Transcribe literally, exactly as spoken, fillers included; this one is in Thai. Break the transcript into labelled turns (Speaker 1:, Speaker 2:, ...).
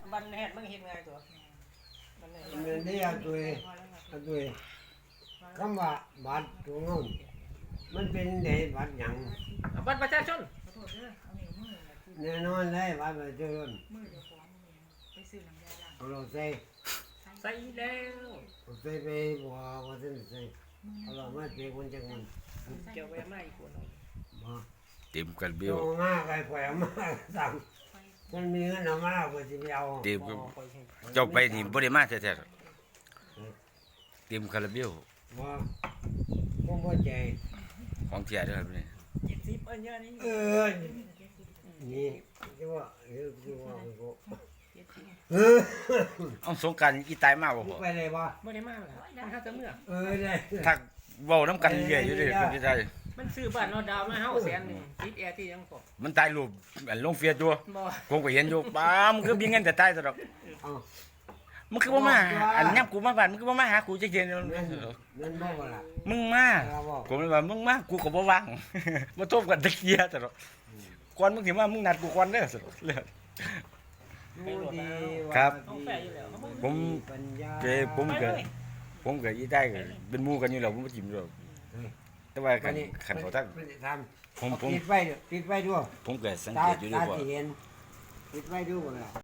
Speaker 1: บันแฮดมึงเห็นไงตัวบันแฮด
Speaker 2: มันได้เอาตัวเอาตัวคำว่าบัตรตัวเงินมันเป็นไดบัตรหยัง
Speaker 1: บัตรประชาชน
Speaker 2: แน่นอนเลยบัตรประชาชน
Speaker 3: มือเดียวของมือไปซื้อน้ำยาล้าง
Speaker 2: เอาเราใส่
Speaker 1: ใส่แล้ว
Speaker 2: เอาใส่ไปบ่ว่าซั่นใส่เอาเรามาเปคนจังมัน
Speaker 1: เกี่ยวไปมาอีกคน
Speaker 2: บ่
Speaker 4: เต็มกันเบี้
Speaker 2: เดี๋
Speaker 4: ย
Speaker 2: ยว วมาไกลปล่อยมาสั่งมันมีเงินเอามาก็สิไปเอา
Speaker 4: เต็มกันเจ้าไปนี่บ่ได้มาแท้ๆเต็มคาราเบล
Speaker 2: บ่บ่บ่ใจ
Speaker 4: ของเทียเด้อครับนี่
Speaker 1: เจ็ดสิบอันเนี้ยนี่
Speaker 2: เออนี่จะว่าเดี๋ยวจะว่าก็เออ
Speaker 4: เอาสงกรานต์อีตายมาบ่พ่อ
Speaker 2: ไปเลยบ่
Speaker 1: ไม่ได้มากแล้วมันเข้าแต่เมื่อ
Speaker 2: เออได้
Speaker 4: ถ้าเว้านำกันเรื่อยอยู่เด้อคนที่ไทย
Speaker 1: มันซื้อบ้านเราดาวมาเฮาแสนหนึ่งติดแอร์ที่ยังพอ
Speaker 4: มันตายรูปอันลงเฟียดอยู่
Speaker 1: บ่
Speaker 4: ผมก็เห็นอยู่ป้ามันคือมีเงินแต่ตายซะดอก
Speaker 2: เอา
Speaker 4: มันคือบ่มาอันยับกูมาบ้านมันคือบ่มาหากูจักเทื่อ
Speaker 2: เงินเงินบ่บ่ล่ะ
Speaker 4: มึงมาผมเลยว่ามึงมากูก็บ่ว่าง มาทบกันตะเกียซะดอกก่อนมึงสิมามึงนัดกูก่อนเด้อซะดอกเลย
Speaker 2: ดูดี
Speaker 4: ครับ
Speaker 1: เอาแฝอยู่แล้วเขาบ่
Speaker 4: ผม
Speaker 2: ปัญญา
Speaker 4: เกผมก็ผมก็อีได้ก็เป็นหมู่กันอยู่แล้วผมบ่จิ้มดอกแต่ว่าคันคันเขาทัก
Speaker 2: ท
Speaker 4: ผม
Speaker 2: ำ
Speaker 4: ผม
Speaker 2: ปิดไว้ปิดไว้ด้วย
Speaker 4: ผมก็สัง
Speaker 2: ตา
Speaker 4: เกตอยู่ด้วย
Speaker 2: ตา
Speaker 4: ว่า
Speaker 2: สิเห็นปิดไว้ด้วยบ่ล่ะ